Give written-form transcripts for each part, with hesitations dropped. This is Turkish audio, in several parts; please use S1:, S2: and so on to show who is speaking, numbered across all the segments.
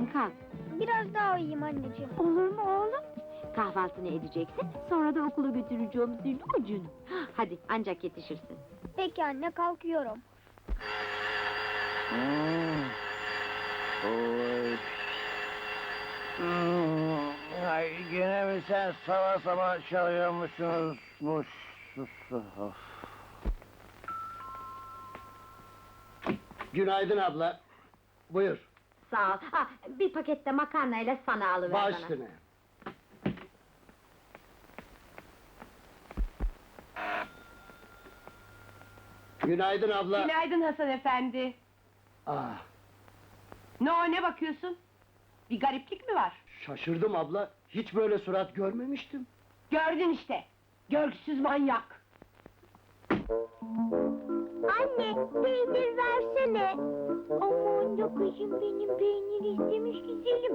S1: bakalım, kalk.
S2: Biraz daha uyuyayım anneciğim.
S1: Olur mu oğlum? Kahvaltını edeceksin, sonra da okula götüreceğim seni ucunu. Hadi, ancak yetişirsin.
S2: Peki anne, kalkıyorum.
S3: Oy. Ay, gene mi sen sabah sabah çalıyormuşsunuz? Of. Günaydın abla. Buyur.
S1: Sağ ol. Bir pakette makarnayla sana alıver
S3: Baş
S1: bana.
S3: üstüne. Günaydın abla.
S4: Günaydın Hasan efendi.
S3: Ah,
S4: Ne bakıyorsun? Bir gariplik mi var?
S3: şaşırdım abla. Hiç böyle surat görmemiştim.
S4: Gördün işte. Görgüsüz manyak.
S2: Anne, peynir versene. Aman da kızım, benim peynir istemiş güzelim.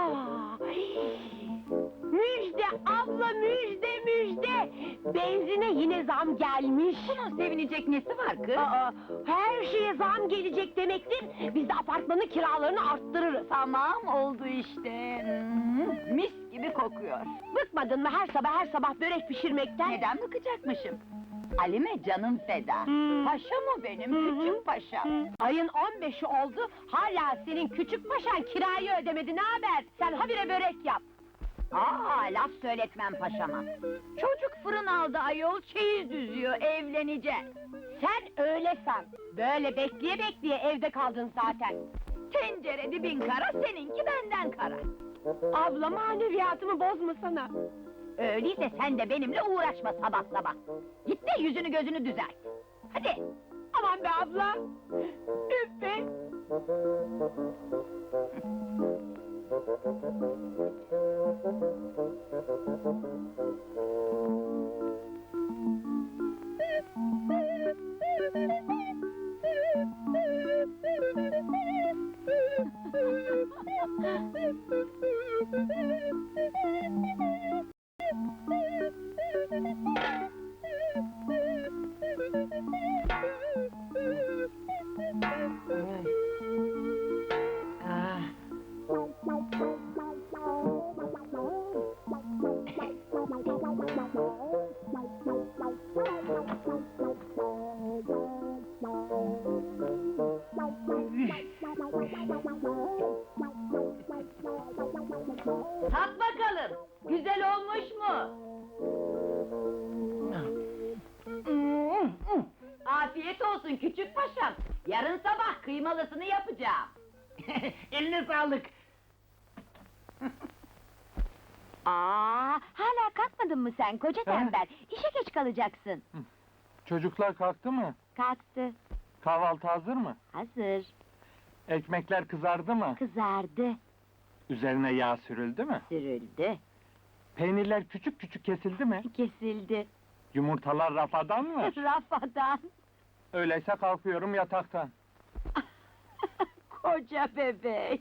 S4: Müjde abla, müjde! Benzine yine zam gelmiş.
S1: Bunun sevinecek nesi var kız?
S4: Her şeye zam gelecek demektir. Biz de apartmanın kiralarını arttırırız.
S1: Tamam, oldu işte. Mis gibi kokuyor.
S4: Bıkmadın mı her sabah börek pişirmekten?
S1: Neden bıkacakmışım? Halime canım feda. Paşa mı benim, küçük paşa?
S4: Ayın 15'i oldu, hala senin küçük paşan kirayı ödemedi, ne haber? Sen habire börek yap!
S1: Laf söyletmem paşama. Çocuk fırın aldı ayol, çeyiz düzüyor, evlenecek.
S4: Sen öyle san! Böyle bekleye evde kaldın zaten!
S1: Tencere dibin kara, seninki benden kara.
S4: Abla, maneviyatımı bozmasana!
S1: Öyleyse sen de benimle uğraşma sabah sabah. Git de yüzünü gözünü düzelt. Hadi.
S4: Aman be abla! Üf be!
S1: Tat bakalım, güzel olmuş mu? Afiyet olsun küçük paşam. Yarın sabah kıymalısını yapacağım.
S3: Eline sağlık.
S1: Hala kalkmadın mı sen koca tembel? İşe geç kalacaksın.
S5: Çocuklar kalktı mı?
S1: Kalktı,
S5: Kahvaltı hazır mı?
S1: hazır,
S5: Ekmekler kızardı mı?
S1: kızardı,
S5: Üzerine yağ sürüldü mü?
S1: sürüldü,
S5: Peynirler küçük küçük kesildi mi?
S1: kesildi.
S5: Yumurtalar rafadan mı?
S1: Rafadan.
S5: Öyleyse kalkıyorum yataktan.
S1: Koca bebek.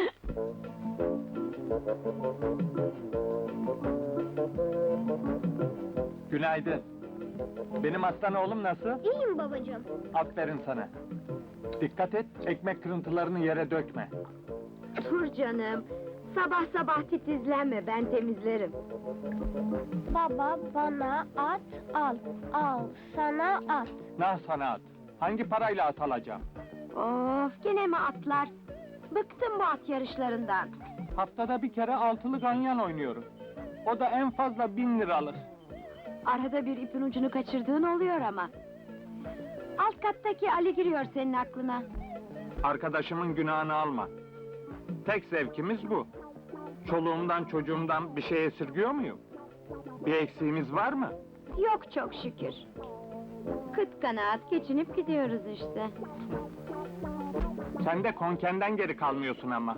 S5: Günaydın. Benim aslan oğlum nasıl?
S2: İyiyim babacığım.
S5: Aferin sana. Dikkat et, ekmek kırıntılarını yere dökme.
S1: Dur canım. Sabah sabah titizlenme, ben temizlerim.
S2: Baba, bana at al. Al sana at.
S5: Nah sana at. Hangi parayla at alacağım?
S1: Of, gene mi atlar? Bıktım bu at yarışlarından.
S5: Haftada bir kere altılı ganyan oynuyorum. O da en fazla 1000 liralık.
S1: Arada bir ipin ucunu kaçırdığın oluyor ama. Alt kattaki Ali giriyor senin aklına.
S5: Arkadaşımın günahını alma. Tek zevkimiz bu. Çoluğumdan çocuğumdan bir şey esirgiyor muyum? Bir eksiğimiz var mı?
S1: Yok çok şükür. Kıt kanaat geçinip gidiyoruz işte.
S5: Sen de konkenden geri kalmıyorsun ama.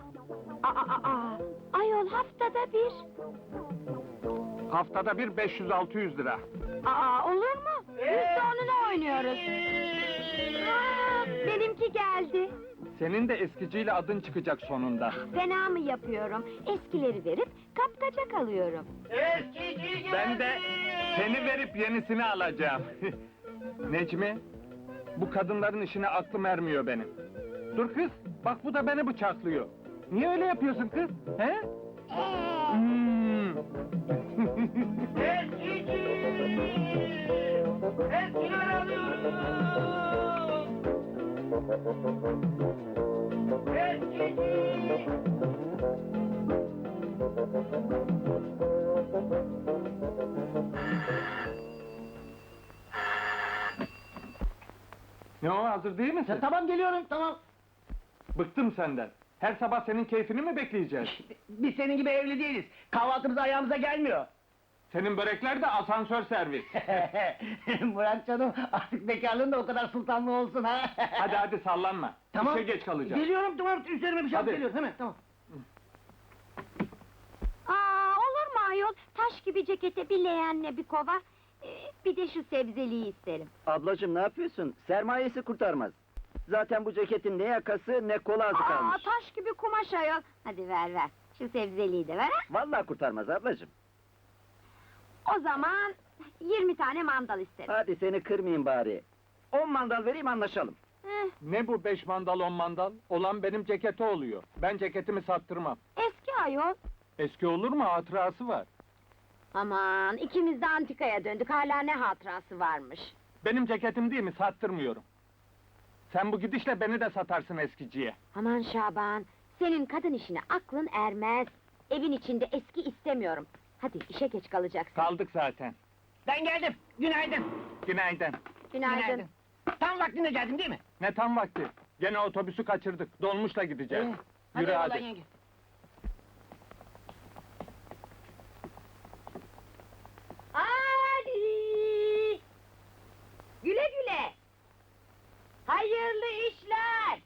S1: Ayol haftada bir.
S5: Haftada bir 500-600 lira.
S1: Olur mu? Biz de onunla oynuyoruz. Benimki geldi.
S5: Senin de eskiciyle adın çıkacak sonunda.
S1: Fena mı yapıyorum? Eskileri verip kapkaca kalıyorum.
S5: Ben de seni verip yenisini alacağım. Necmi, bu kadınların işine aklım ermiyor benim. Dur kız, bak bu da beni bıçaklıyor. Niye öyle yapıyorsun kız? He? Hmm. Ne o, hazır değil misin?
S3: Tamam geliyorum, tamam.
S5: Bıktım senden. Her sabah senin keyfini mi bekleyeceğiz?
S3: Biz senin gibi evli değiliz. Kahvaltımız ayağımıza gelmiyor.
S5: Senin börekler de asansör servis.
S3: Murat canım, artık bekarlığın da o kadar sultanlı olsun ha.
S5: Hadi hadi sallanma.
S3: Tamam.
S5: İşe geç kalacağım.
S3: Geliyorum, tamam, üzerime bir şey alıp
S5: Hadi.
S3: geliyorum, hemen, tamam.
S1: Aa, olur mu ayol? Taş gibi cekete bir leğenle bir kova, bir de şu sebzeliği isterim.
S6: Ablacığım ne yapıyorsun? Sermayesi kurtarmaz. Zaten bu ceketin ne yakası ne kolu azı
S1: Aa,
S6: kalmış.
S1: taş gibi kumaş ayol. Hadi ver ver, şu sebzeliği de ver ha.
S6: Vallahi kurtarmaz ablacığım.
S1: O zaman 20 tane mandal isterim.
S6: Hadi seni kırmayayım bari. 10 mandal vereyim anlaşalım.
S5: Ne bu 5 mandal 10 mandal? Olan benim ceketi oluyor. Ben ceketimi sattırmam.
S1: Eski ayol.
S5: Eski olur mu? Hatırası var.
S1: Aman, ikimiz de antikaya döndük, hala ne hatırası varmış.
S5: Benim ceketim değil mi? Sattırmıyorum. Sen bu gidişle beni de satarsın eskiciye.
S1: Aman Şaban, senin kadın işine aklın ermez. Evin içinde eski istemiyorum. Hadi, işe geç kalacaksın.
S5: Kaldık zaten.
S3: Ben geldim, günaydın.
S5: Günaydın.
S1: Günaydın.
S3: Tam vaktinde geldim değil mi?
S5: Ne tam vakti? Gene otobüsü kaçırdık. Dolmuşla gideceğiz. Yürü
S3: eyvallah
S5: hadi.
S3: yenge.
S1: Hadi! Güle güle! Hayırlı işler!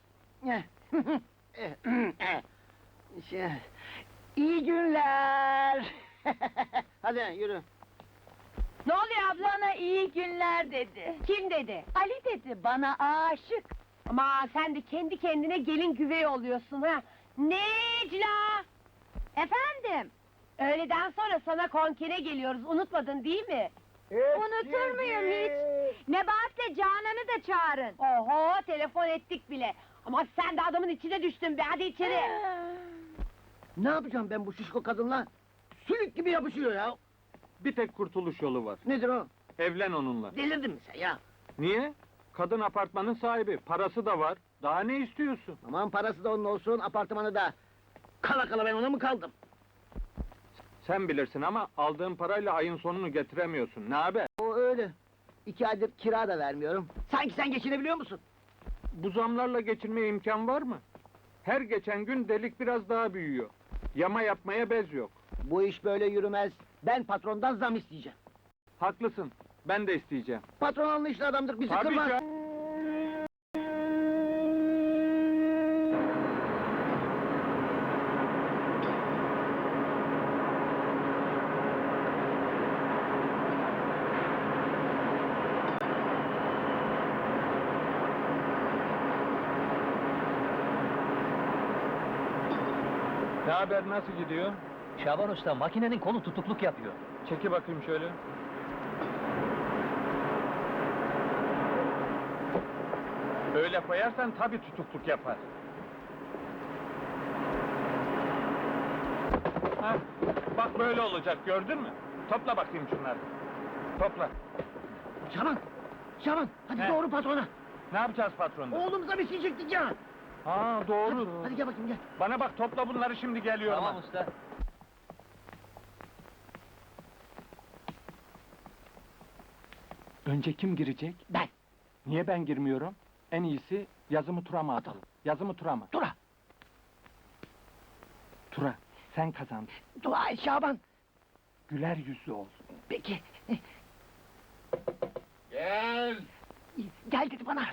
S3: Şey, İyi günler. Hadi yürü.
S4: Ne oluyor abla? Bana iyi günler dedi. Kim dedi? Ali dedi, bana aşık. Ama sen de kendi kendine gelin güvey oluyorsun ha. Necla!
S1: Efendim,
S4: Öğleden sonra sana konkere geliyoruz, unutmadın değil mi?
S1: unutur muyum hiç? Nebahat'le Canan'ı da çağırın.
S4: Oho, telefon ettik bile. Ama sen de adamın içine düştün be, hadi içeri.
S3: Ne yapacağım ben bu şişko kadınla? Sülük gibi yapışıyor ya.
S5: Bir tek kurtuluş yolu var.
S3: Nedir o?
S5: Evlen onunla.
S3: Delirdin mi sen ya?
S5: Niye? Kadın apartmanın sahibi. Parası da var. Daha ne istiyorsun?
S3: Aman parası da onun olsun, apartmanı da. Kala kala ben ona mı kaldım?
S5: Sen bilirsin ama aldığın parayla ayın sonunu getiremiyorsun. Ne haber?
S3: O öyle. 2 aydır kira da vermiyorum. Sanki sen geçinebiliyor musun?
S5: Bu zamlarla geçinmeye imkan var mı? Her geçen gün delik biraz daha büyüyor. Yama yapmaya bez yok.
S3: Bu iş böyle yürümez. Ben patrondan zam isteyeceğim.
S5: Haklısın. Ben de isteyeceğim.
S3: Patron anlayışlı adamdır, bizi
S5: Tabii
S3: kırmaz.
S5: canım. Ne haber, nasıl gidiyor?
S6: Şaban Usta makinenin kolu tutukluk yapıyor.
S5: Çeki bakayım şöyle. Öyle koyarsan tabii tutukluk yapar. Hah, bak böyle olacak, gördün mü? Topla bakayım şunları. Topla.
S3: Şaban! Şaban! Hadi
S5: He.
S3: doğru patrona!
S5: Ne yapacağız patronda?
S3: Oğlumuza bir şey çektik ya!
S5: Ha doğru.
S3: Hadi, hadi gel bakayım gel.
S5: Bana bak, topla bunları, şimdi geliyorum. ha.
S6: usta.
S5: Önce kim girecek?
S3: Ben!
S5: Niye ben girmiyorum? En iyisi yazımı Turam'a atalım. Yazımı Turam'a.
S3: Tura!
S5: Tura, sen kazandın.
S3: Dua et Şaban!
S5: Güler yüzlü ol.
S3: Peki!
S5: Gel.
S3: Gel dedi bana!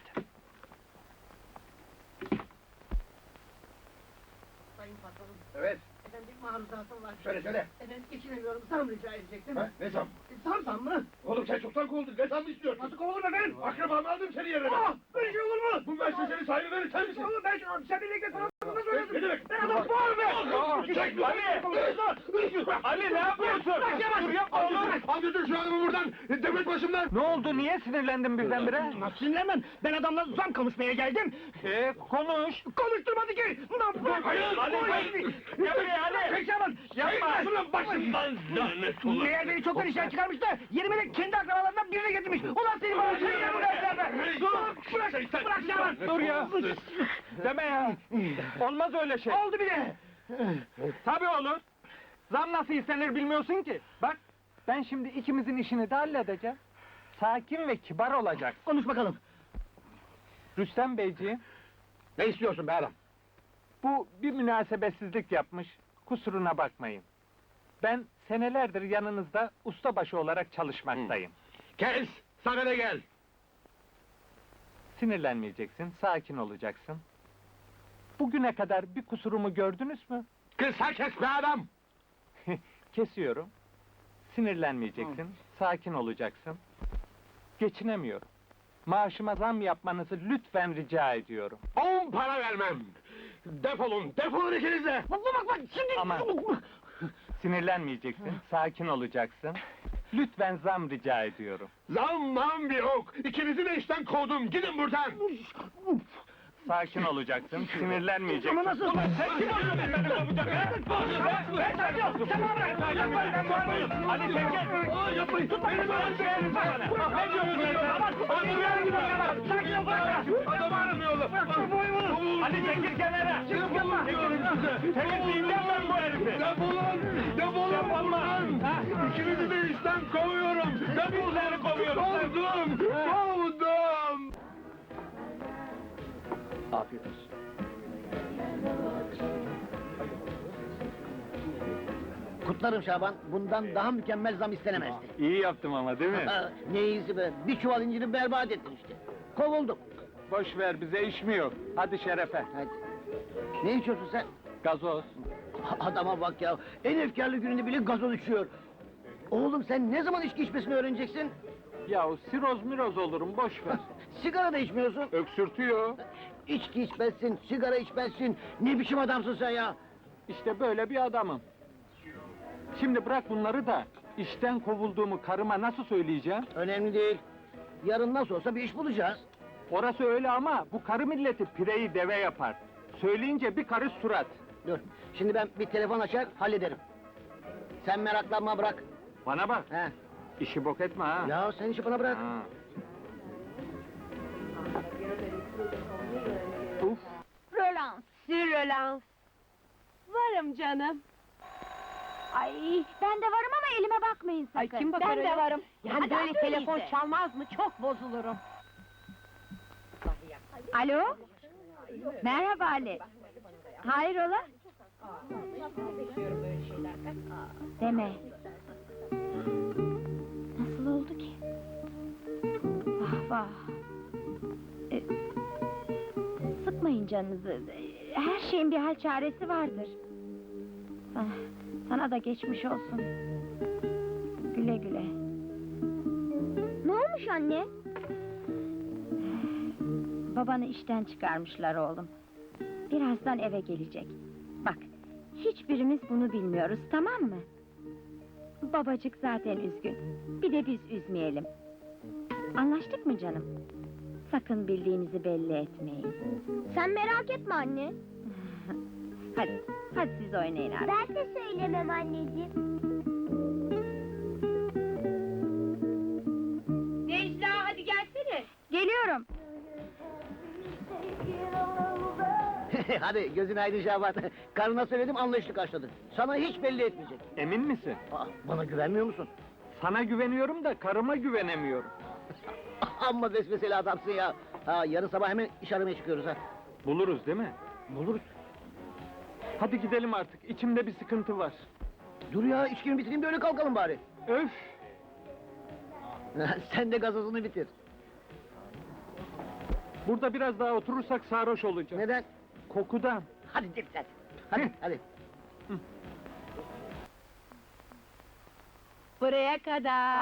S3: Sayın patronum,
S5: Evet.
S3: efendim bir maruzatım var.
S5: Söyle.
S3: Efendim geçinemiyorum, zam rica edecektim.
S7: Ha, ne zam?
S3: Zam mı?
S7: Oğlum sen çoktan kovuldun, ne zam istiyorsun?
S3: Nasıl kovuldum efendim?
S7: Akrabamı aldım seni yerine.
S3: Böyle şey olur mu?
S7: Bu müessesenin sahibi benim, sen misin?
S3: Oğlum ben sen birlikte sana nasıl
S7: Ne demek?
S3: Ben adam var be!
S7: Çek!
S5: Ali ne yapıyorsun? Dur yapma oğlum!
S7: Al götür şu adamı buradan! Devlet başımdan!
S5: Ne oldu, niye sinirlendin birdenbire?
S3: Nasıl sinirlenmem? Ben adamla zam konuşmaya geldim.
S5: Konuş!
S3: Konuşturmadı ki! Ne yapayım?
S7: Hayır!
S5: Ali, gel buraya Ali!
S3: Çek Şaban!
S5: Yapma!
S7: Şunun başımdan lanet olası!
S3: Meğer beni çoktan işten çıkarmış da yerime de kendi akrabalarından birini getirmiş. Ulan seni bana sen ya bırak Şaban!
S5: Dur ya! Deme ya! Olmaz öyle şey!
S3: Oldu bile!
S5: Tabii olur! Zam nasıl istenir bilmiyorsun ki! Bak, ben şimdi ikimizin işini de halledeceğim. Sakin ve kibar olacak.
S3: Konuş bakalım.
S5: Rüstem Beyciğim,
S7: Ne istiyorsun be adam?
S5: bu bir münasebetsizlik yapmış, kusuruna bakmayın. Ben senelerdir yanınızda ustabaşı olarak çalışmaktayım.
S7: Kes! Sana ne gel?
S5: Sinirlenmeyeceksin, sakin olacaksın. Bugüne kadar bir kusurumu gördünüz mü?
S7: Kısa kes be adam!
S5: Kesiyorum. Sinirlenmeyeceksin, sakin olacaksın. Geçinemiyorum. Maaşıma zam yapmanızı lütfen rica ediyorum.
S7: 10 para vermem! Defolun ikiniz de!
S3: Bak şimdi...
S5: Ama- Sinirlenmeyeceksin, sakin olacaksın. Lütfen zam rica ediyorum.
S7: Zammam bir ok! İkinizi de işten kovdum, gidin buradan!
S5: Sakin olacaksın, sinirlenmeyeceksin.
S3: Ama nasıl?
S5: Ulan sen kim oluyorsun beni kovacak ha? Ben sakin ol! Tamam bırak! Ali sen gel!
S7: Yapmayın!
S5: Tut beni böyle söyleyeyim sana! Ne diyorsun sen? Ali bir gidiyor! Sakin ol bırak!
S7: Adam aramıyorlar!
S5: Ali çekil kenara!
S7: Defolun diyorum size!
S5: Temizleyeceğim ben bu herifi!
S7: Defolun! Defolun buradan! İkinizi de işten kovuyorum!
S5: Bizleri kovuyorum!
S7: Kovdum!
S6: Afiyet olsun.
S3: Kutlarım Şaban, bundan daha mükemmel zam istenemezdi.
S5: İyi yaptım ama değil mi?
S3: Ha, ne iyisi be, bir çuval inciri berbat ettin işte. Kovuldum.
S5: Boş ver, bize iş mi yok? Hadi şerefe!
S3: Hadi. Ne içiyorsun sen?
S5: Gazoz!
S3: Adama bak ya, en efkarlı gününde bile gazoz içiyor. Oğlum sen ne zaman içki içmesini öğreneceksin?
S5: Yahu siroz miroz olurum, boş ver!
S3: Sigara da içmiyorsun.
S5: Öksürtüyor!
S3: İçki içmezsin, sigara içmezsin. Ne biçim adamsın sen ya?
S5: İşte böyle bir adamım. Şimdi bırak bunları da, işten kovulduğumu karıma nasıl söyleyeceğim?
S3: Önemli değil. Yarın nasıl olsa bir iş bulacağız.
S5: Orası öyle ama bu karı milleti pireyi deve yapar. Söyleyince bir karış surat.
S3: Dur, şimdi ben bir telefon açar, hallederim. Sen meraklanma, bırak.
S5: Bana bak,
S3: He.
S5: işi bok etme ha.
S3: Ya sen işi bana bırak.
S5: Ha. Uf,
S4: Rölans, sürrölans. Varım canım.
S1: Ay, ben de varım ama elime bakmayın sakın.
S4: Ay kim bakar
S1: Ben
S4: öyle?
S1: de varım.
S4: Yani
S1: Hadi
S4: böyle
S1: at
S4: telefon
S1: öyleyse.
S4: çalmaz mı? Çok bozulurum.
S1: Alo? Merhaba Ali. Hayrola? Deme. Nasıl oldu ki? Vah vah. E, sıkmayın canınızı. Her şeyin bir hal çaresi vardır. Sana da geçmiş olsun. Güle güle.
S2: Ne olmuş anne?
S1: Babanı işten çıkarmışlar oğlum. Birazdan eve gelecek. Bak, hiçbirimiz bunu bilmiyoruz, tamam mı? Babacık zaten üzgün. Bir de biz üzmeyelim. Anlaştık mı canım? Sakın bildiğinizi belli etmeyin.
S2: Sen merak etme anne.
S1: Hadi siz oynayın artık.
S2: Ben de söylemem anneciğim.
S4: Necla hadi gelsene.
S1: Geliyorum.
S3: Hadi gözün aydın Şaban. Karına söyledim, anlayışlı karşıladı. Sana hiç belli etmeyecek.
S5: emin misin?
S3: Aa, bana güvenmiyor musun?
S5: Sana güveniyorum da karıma güvenemiyorum.
S3: Amma besmeseli adamsın ya. Ha, yarın sabah hemen iş aramaya çıkıyoruz ha.
S5: Buluruz değil mi?
S3: Buluruz.
S5: Hadi gidelim artık, içimde bir sıkıntı var.
S3: Dur ya, içkimi bitireyim de öyle kalkalım bari.
S5: Öf!
S3: Sen de gazozunu bitir.
S5: Burada biraz daha oturursak sarhoş olacağız.
S3: Neden?
S5: Kokudan.
S3: Hadi dikkat. Hadi, hadi.
S4: Buraya kadar.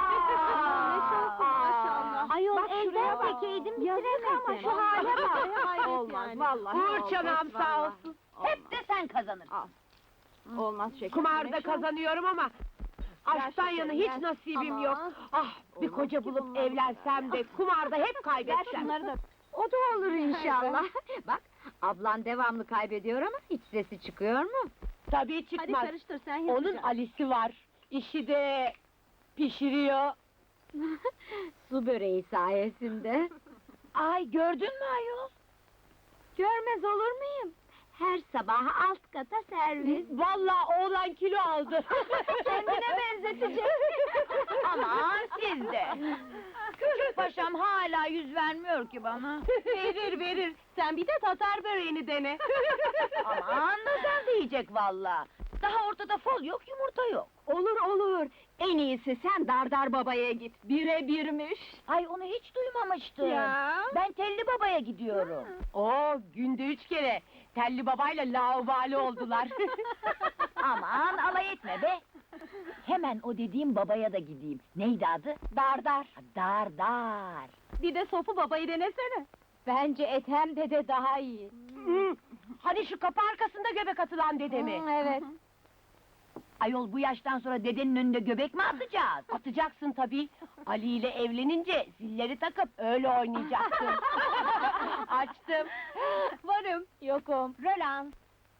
S2: Maşallah. Ayol
S1: Bak şuraya
S2: elden
S1: bak.
S2: tekeydim
S1: Yazık ama
S2: bitiremedim.
S1: şu hale bak.
S2: Hayret
S4: Olmaz
S2: yani.
S4: vallahi. Uğur çanağım sağ olsun.
S1: Hep de sen kazanırsın. Olmaz şekerim.
S4: Kumarda kazanıyorum ama aşktan yana hiç nasibim yok. Ah, bir koca bulup evlensem de kumarda hep kaybetsem.
S1: O da olur inşallah. Bak, ablan devamlı kaybediyor ama hiç sesi çıkıyor mu?
S4: Tabii çıkmaz.
S1: karıştır sen
S4: Onun Ali'si var. İşi de pişiriyor.
S1: Su böreği sayesinde.
S4: Ay gördün mü ayol?
S1: Görmez olur muyum? Her sabah alt kata servis.
S4: Vallahi oğlan kilo aldı.
S1: Kendine benzetecek.
S4: Aman siz de.
S1: Küçük paşam hala yüz vermiyor ki bana.
S4: Verir. Sen bir de tatar böreğini dene.
S1: Aman nazar diyecek valla. Daha ortada fol yok, yumurta yok. Olur. En iyisi sen Dardar babaya git. Bire birmiş. Ay onu hiç duymamıştım.
S4: Ya.
S1: Ben Telli babaya gidiyorum.
S4: Oo, günde 3 kere. Telli babayla laubali oldular.
S1: Aman alay etme be. Hemen o dediğim babaya da gideyim. Neydi adı?
S4: Dardar.
S1: Dardar.
S4: Bir de Sofu babayı denesene.
S1: Bence Ethem dede daha iyi.
S4: Hadi şu kapı arkasında göbek atılan dedemi.
S1: Evet. Ayol bu yaştan sonra dedenin önünde göbek mi atacağız?
S4: Atacaksın tabii. Ali ile evlenince zilleri takıp öyle oynayacaksın. Açtım. Varım.
S1: Yokum.
S4: Roland.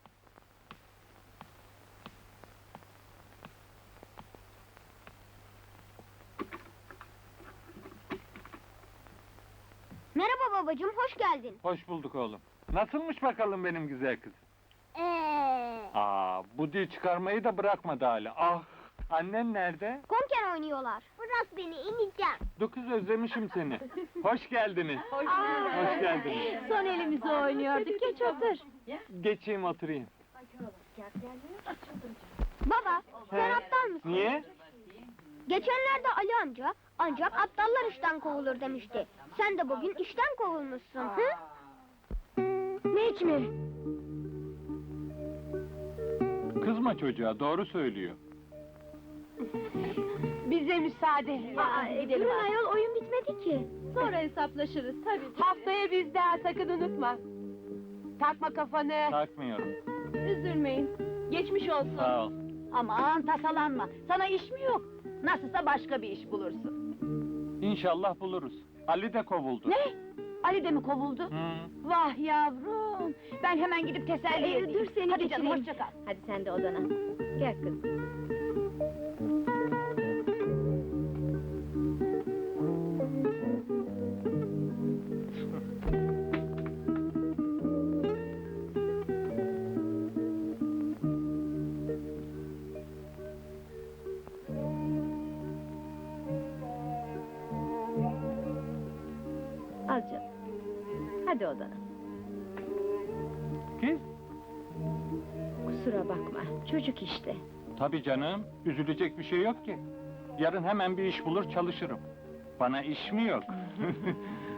S2: Merhaba babacığım, hoş geldin.
S5: Hoş bulduk oğlum. Nasılmış bakalım benim güzel kız? Bu dil çıkarmayı da bırakmadı hala. Ah, annen nerede?
S2: Konken oynuyorlar. Bırak beni, ineceğim.
S5: Dokuz özlemişim seni. Hoş geldiniz. Hoş geldiniz.
S1: Son elimizi oynuyorduk. Geç otur.
S5: Geçeyim oturayım.
S2: Baba, sen
S5: He?
S2: aptal mısın?
S5: Niye?
S2: Geçenlerde Ali amca, ancak aptallar işten kovulur demişti. Sen de bugün işten kovulmuşsun, hı?
S4: Necmi.
S5: Kızma çocuğa, doğru söylüyor.
S4: Bize müsaade.
S2: Durun ayol, oyun bitmedi ki.
S1: Sonra hesaplaşırız tabii.
S4: Haftaya bizde ha, sakın unutma. Takma kafanı.
S5: Takmıyorum.
S1: Üzülmeyin. Geçmiş olsun.
S5: Sağ ol.
S1: Aman tasalanma. Sana iş mi yok? Nasılsa başka bir iş bulursun.
S5: İnşallah buluruz. Ali de kovuldu.
S1: Ne? Ali de mi kovuldu?
S5: Hı.
S1: Vah yavrum! Ben hemen gidip teselli edeyim.
S2: dur seni
S1: Hadi canım,
S2: geçireyim.
S1: hoşça kal. Hadi sen de odana. Gel kızım. Al canım. Hadi odana.
S5: Kız?
S1: Kusura bakma, çocuk işte.
S5: Tabii canım, üzülecek bir şey yok ki. Yarın hemen bir iş bulur çalışırım. Bana iş mi yok?